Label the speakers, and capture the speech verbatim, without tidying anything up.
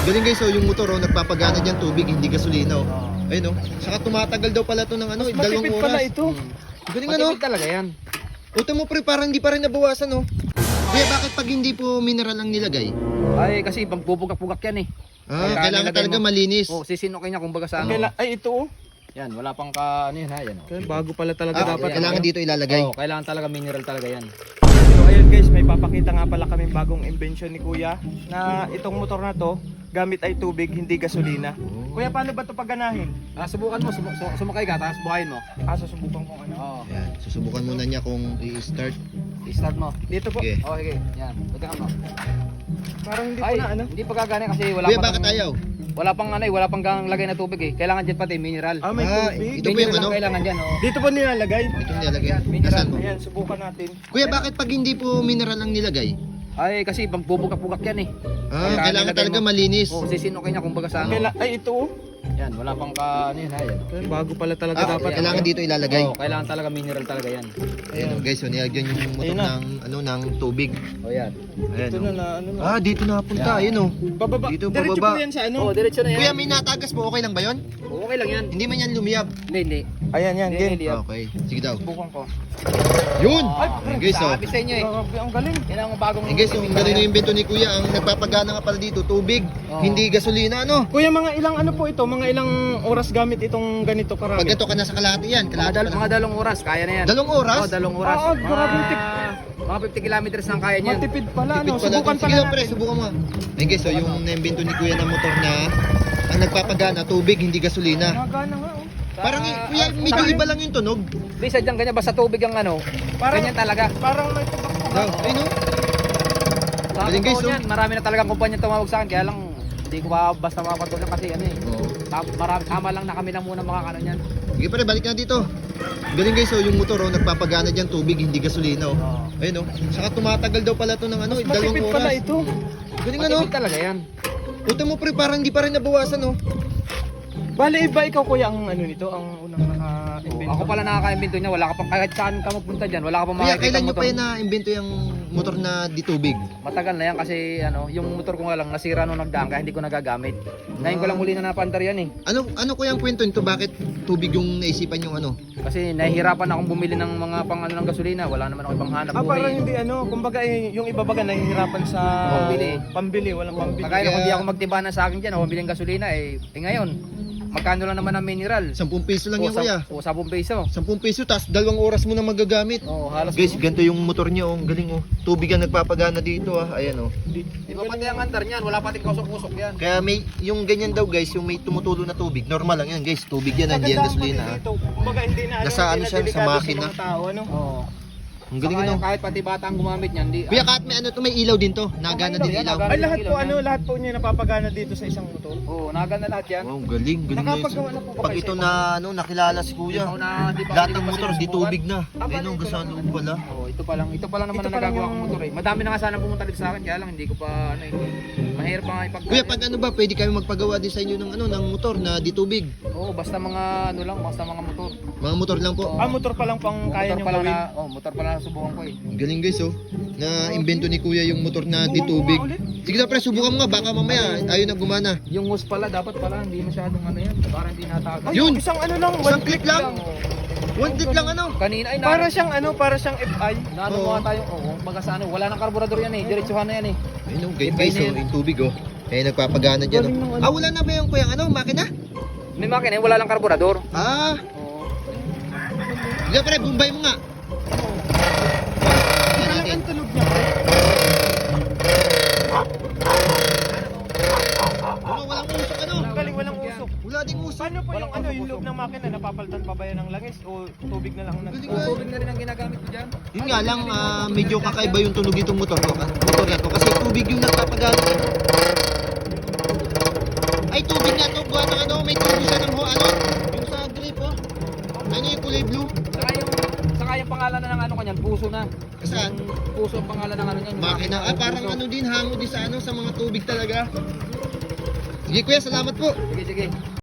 Speaker 1: Galing guys, oh, yung motor oh, nagpapagana diyan tubig, hindi gasolina oh. Ayun oh. Saka tumatagal daw pala to ng ano,
Speaker 2: Mas
Speaker 1: dalawang
Speaker 2: matipid
Speaker 1: oras.
Speaker 2: pala ito.
Speaker 1: Galing ano?
Speaker 3: Matipid talaga yan.
Speaker 1: Uto mo pre, parang hindi pa rin nabawasan oh. Kaya bakit pag hindi po mineral ang nilagay?
Speaker 3: Ay, kasi pagpupugak-pugak yan eh.
Speaker 1: Ah,
Speaker 3: Kailangan
Speaker 1: kailangan
Speaker 3: nilagay
Speaker 1: talaga
Speaker 3: mo.
Speaker 1: malinis.
Speaker 3: Oh, sisinukin niya kumbaga sa ano.
Speaker 2: Kaila- Ay, ito oh.
Speaker 3: Yan, wala pang ka, ano yan ha, yan. Oh.
Speaker 2: Kaya bago pala talaga
Speaker 1: Ah,
Speaker 2: dapat.
Speaker 1: kailangan dito ilalagay.
Speaker 3: Oh, kailangan talaga mineral talaga yan.
Speaker 2: So ayun guys, may papakita nga pala kaming bagong invention ni Kuya na itong motor na to, gamit ay tubig, hindi gasolina. Kuya, paano ba ito paganahin?
Speaker 3: Ah, subukan mo, sum sum sumakay ka, tapos buhayin mo.
Speaker 2: Ah, susubukan ko ano.
Speaker 3: Oo.
Speaker 1: Ayan, susubukan muna niya kung i-start.
Speaker 3: I-start mo.
Speaker 2: Dito po.
Speaker 1: Okay.
Speaker 3: Oh, sige. Yan. Pagkakan mo.
Speaker 2: Parang hindi
Speaker 3: Ay,
Speaker 2: po na ano.
Speaker 3: hindi pa gagana kasi wala
Speaker 1: Kuya,
Speaker 3: pang
Speaker 1: bakit ayaw?
Speaker 3: Wala pang ano, eh, wala pang gang lagay na tubig eh. Kailangan diyan pati mineral.
Speaker 2: Ah, may
Speaker 1: Ah,
Speaker 2: tubig.
Speaker 1: ito po yung
Speaker 3: Mineral
Speaker 1: ano?
Speaker 3: ang kailangan diyan, oh.
Speaker 2: Dito po nilalagay.
Speaker 1: Ito nilalagay.
Speaker 3: Mineral.
Speaker 1: Nasaan?
Speaker 2: Ayan, subukan natin.
Speaker 1: Kuya, bakit pag hindi po mineral ang nilagay?
Speaker 3: Ay, kasi pagpupugak-pugak yan eh.
Speaker 1: Ah, kailangan
Speaker 3: nilagay
Speaker 1: talaga
Speaker 3: mo.
Speaker 1: malinis.
Speaker 3: Oh, sisinukin niya kumbaga sa ano.
Speaker 2: Kaila- Ay, ito oh.
Speaker 3: Yan, wala pang ka, ano yun ha, yan.
Speaker 2: Kaya bago pala talaga
Speaker 1: Ah,
Speaker 2: dapat.
Speaker 1: kailangan dito ilalagay.
Speaker 3: Oh, kailangan talaga mineral talaga yan.
Speaker 1: Ayan oh, guys, so nilagyan yung motor
Speaker 2: Ayun na.
Speaker 1: ng ano ng tubig.
Speaker 3: Oh, yan.
Speaker 1: Ayan
Speaker 2: Ito
Speaker 1: oh.
Speaker 2: na na ano na.
Speaker 1: Ah, dito napunta.
Speaker 3: Yan.
Speaker 1: Ayun oh.
Speaker 2: Bababa.
Speaker 1: Dito,
Speaker 2: Diretso
Speaker 1: bababa.
Speaker 2: po yan sa ano.
Speaker 3: Oh, diretso na yan.
Speaker 1: Kuya, may natagas po. Okay lang ba 'yon?
Speaker 3: Oh, okay lang yan.
Speaker 1: Hindi man yan lumiyab.
Speaker 3: Hindi, hindi.
Speaker 2: Ayan yan,
Speaker 3: Hindi,
Speaker 2: game.
Speaker 3: hindi. yan.
Speaker 1: Okay, sige daw.
Speaker 2: Subukan ko.
Speaker 1: Yun!
Speaker 3: Ay,
Speaker 1: Ayan, guys oh.
Speaker 3: sabi sa inyo eh.
Speaker 2: Grabe, ang galing.
Speaker 3: Yan ang bagong...
Speaker 1: Ayan, guys, yung galing yung invento ni Kuya, ang nagpapagana nga pala dito, tubig,
Speaker 3: Oo.
Speaker 1: hindi gasolina, ano?
Speaker 2: Kuya, mga ilang ano po ito? Mga ilang oras gamit itong ganito karami?
Speaker 1: Pag ito ka nasa kalahati yan,
Speaker 3: Mga,
Speaker 1: kalahati
Speaker 3: dal
Speaker 1: ka na.
Speaker 3: mga dalong oras, kaya na yan.
Speaker 1: Dalawang oras?
Speaker 3: Oh, dalong oras.
Speaker 2: Ah, grabe,
Speaker 3: mga,
Speaker 2: tip-
Speaker 3: mga fifty kilometers ang kaya niyan.
Speaker 2: Matipid pala,
Speaker 1: Tipid
Speaker 2: ano?
Speaker 1: pala
Speaker 2: Subukan
Speaker 1: dun.
Speaker 2: pala
Speaker 1: Sige daw, pre,
Speaker 2: natin.
Speaker 1: subukan mo. Ayan guys, so yung na-invento ni Kuya na motor na ang nagpapagana, tubig, hindi gasolina.
Speaker 2: Nagana nga, oh.
Speaker 1: Parang, eh, Kuya, medyo iba lang yung tunog.
Speaker 3: Di sadyang ganyan, basta tubig ang ano.
Speaker 2: Parang-
Speaker 3: ganyan talaga.
Speaker 2: Parang may tubak-tubak.
Speaker 1: Daw, ayun oh.
Speaker 3: Sa
Speaker 1: Galing, guys,
Speaker 3: totoo
Speaker 1: oh.
Speaker 3: niyan, marami na talagang kumpanya tumawag sa akin, kaya lang hindi ko pa basta makapatuloy kasi ano eh.
Speaker 1: Oo.
Speaker 3: Ta- Marami, tama lang na kami lang muna makakano niyan.
Speaker 1: Sige pare, balik na dito. Galing guys, so yung motor oh, nagpapagana diyan tubig, hindi gasolina oh.
Speaker 3: Oo.
Speaker 1: Ayun oh. Saka tumatagal daw pala to ng ano,
Speaker 2: Mas
Speaker 1: dalawang
Speaker 2: matipid
Speaker 1: oras.
Speaker 2: pala ito.
Speaker 1: Galing ano?
Speaker 3: Matipid talaga yan.
Speaker 1: Puta mo pre, parang hindi pa rin nabawasan oh.
Speaker 2: Bale, iba ikaw kuya ang ano nito, ang unang naka-invento.
Speaker 3: Ako pala nakaka-invento niya, wala ka pang kahit saan ka magpunta diyan, wala ka pang
Speaker 1: Kaya
Speaker 3: makikita
Speaker 1: kailan nyo
Speaker 3: motor.
Speaker 1: pa yun na-invento yung motor na di tubig?
Speaker 3: Matagal na yan kasi ano, yung motor ko nga lang nasira nung nagdaan kaya hindi ko nagagamit. Ngayon ko lang muli na napandar yan eh.
Speaker 1: Ano ano ko yung kwento nito? Bakit tubig yung naisipan yung ano?
Speaker 3: Kasi nahihirapan akong bumili ng mga pang ano ng gasolina, wala naman ako ibang hanap
Speaker 2: Ah, parang
Speaker 3: buhay.
Speaker 2: hindi ano, kumbaga eh, yung iba baga nahihirapan sa
Speaker 3: Pambili.
Speaker 2: pambili, walang pambili.
Speaker 3: Kagaya na kung
Speaker 1: Kaya-
Speaker 3: di ako magtibanan sa akin diyan, ako biling gasolina eh. Eh ngayon, magkano lang naman ang mineral?
Speaker 1: Sampung piso lang
Speaker 3: O,
Speaker 1: yan
Speaker 3: sa-
Speaker 1: kuya.
Speaker 3: O, sabong peso.
Speaker 1: Sampung piso, tas dalawang oras mo na magagamit.
Speaker 3: Oo, halos.
Speaker 1: Guys, ganito yung motor niya oh. Ang galing oh. Tubig ang nagpapagana dito ah. Ayan oh.
Speaker 3: Di ba pati ang andar niyan, wala pati kusok-kusok yan.
Speaker 1: Kaya may, yung ganyan daw guys, yung may tumutulo na tubig. Normal lang yan guys. Tubig yan, hindi yan gasolina ah.
Speaker 2: Dito, kumbaga hindi na ano,
Speaker 1: Nasa
Speaker 2: hindi
Speaker 1: ano
Speaker 2: na
Speaker 1: siya, sa
Speaker 2: delikado
Speaker 1: makina.
Speaker 2: mga tao, ano?
Speaker 3: Oo.
Speaker 1: Ang galing
Speaker 3: Saka
Speaker 1: ano.
Speaker 3: yung kahit pati bata ang gumamit niyan, di.
Speaker 1: Kuya, kahit may ano to, may ilaw din to. Nagana
Speaker 3: ilaw
Speaker 1: din
Speaker 3: yan,
Speaker 1: ilaw.
Speaker 3: nagana.
Speaker 2: Ay, lahat po
Speaker 3: Ilaw
Speaker 2: ano,
Speaker 3: yan.
Speaker 2: lahat po niya napapagana dito sa isang motor.
Speaker 3: Oo, naganda lahat yan.
Speaker 1: Wow, galing, galing na
Speaker 2: Nakapagawa na po ba
Speaker 1: Pag
Speaker 2: kayo
Speaker 1: ito
Speaker 2: sa
Speaker 1: na ano, nakilala si kuya.
Speaker 3: Ikaw na, di ba,
Speaker 1: Lahat
Speaker 3: hindi
Speaker 1: ng
Speaker 3: ko pa
Speaker 1: motor, di
Speaker 3: sinusubukan.
Speaker 1: tubig na.
Speaker 2: Ah,
Speaker 1: Ayun
Speaker 2: bali,
Speaker 1: ang
Speaker 2: ito
Speaker 1: sa
Speaker 2: lang.
Speaker 1: loob pala.
Speaker 3: Oo, ito pa lang, ito pa lang naman
Speaker 2: Ito
Speaker 3: ang
Speaker 2: pa lang
Speaker 3: nagagawa
Speaker 2: yung-
Speaker 3: kong motor eh. Madami na nga sana pumunta dito sa akin, kaya lang hindi ko pa ano eh. Mahirap pa nga ipag.
Speaker 1: Kuya, pag ano ba, pwede kami magpagawa din sa inyo ng ano, ng motor na di tubig.
Speaker 3: Oo, basta mga ano lang, basta mga motor.
Speaker 1: Mga motor lang po.
Speaker 2: Ah, motor pa lang pang kaya
Speaker 3: motor
Speaker 2: niyong
Speaker 3: pala
Speaker 2: gawin.
Speaker 3: na, oh, motor pala na subukan ko eh.
Speaker 1: Ang galing guys oh. Na invento ni kuya yung motor na di tubig. Sige na pre, subukan mo nga, baka mamaya ayaw na gumana.
Speaker 3: Yung hose pala, dapat pala hindi masyadong ano yan, para hindi natagal.
Speaker 2: Ay,
Speaker 1: Yun!
Speaker 2: isang ano lang,
Speaker 1: Isang
Speaker 2: one
Speaker 1: click
Speaker 2: click
Speaker 1: lang. One click lang ano.
Speaker 3: Kanina ay
Speaker 2: Para
Speaker 3: na,
Speaker 2: siyang ano, para siyang F I.
Speaker 3: naano
Speaker 1: Oo.
Speaker 3: mo nga tayo, oo, baga sa ano, wala nang karburador yan eh, diretsuhan na yan eh.
Speaker 1: Ayun oh, guys,
Speaker 3: Iba
Speaker 1: guys
Speaker 3: na
Speaker 1: oh,
Speaker 3: yan.
Speaker 1: yung tubig oh. Eh nagpapagana dyan
Speaker 2: Galing ng
Speaker 1: oh.
Speaker 2: ano.
Speaker 1: Ah, wala na ba yung kuya ano, makina?
Speaker 3: May makina, eh, wala lang karburador.
Speaker 1: Ah,
Speaker 3: Oo.
Speaker 1: sige pre, bumbay mo nga. Tingnan
Speaker 2: Ang
Speaker 1: natin.
Speaker 2: ang tunog niya.
Speaker 1: Ano, walang usok ano?
Speaker 2: Ang galing, walang usok.
Speaker 1: Wala ding usok.
Speaker 2: Paano po yung
Speaker 3: Walang
Speaker 2: ano, yung
Speaker 3: usok.
Speaker 2: loob ng makina, napapalitan pa ba yan ng langis o tubig na lang? ang nag-
Speaker 1: Galing
Speaker 3: Oo,
Speaker 1: ah.
Speaker 3: tubig na rin ang ginagamit ko dyan.
Speaker 1: Yun nga lang, ah, medyo kakaiba yung tunog itong motor ko. Motor na to kasi tubig yung nagpapagana. Ay, tubig na to. Buwan ng ano, may tubo siya ng ho, ano? Yung sa grip oh. Ano yung kulay blue?
Speaker 3: Saka yung, saka yung pangalan na ng ano kanyan, puso na.
Speaker 1: Saan?
Speaker 3: Yung puso ang pangalan ng ano niyan.
Speaker 1: Makina. Ah, parang
Speaker 3: puso.
Speaker 1: ano din, hango din sa ano, sa mga tubig talaga. Sige kuya, salamat po.
Speaker 3: Sige, sige.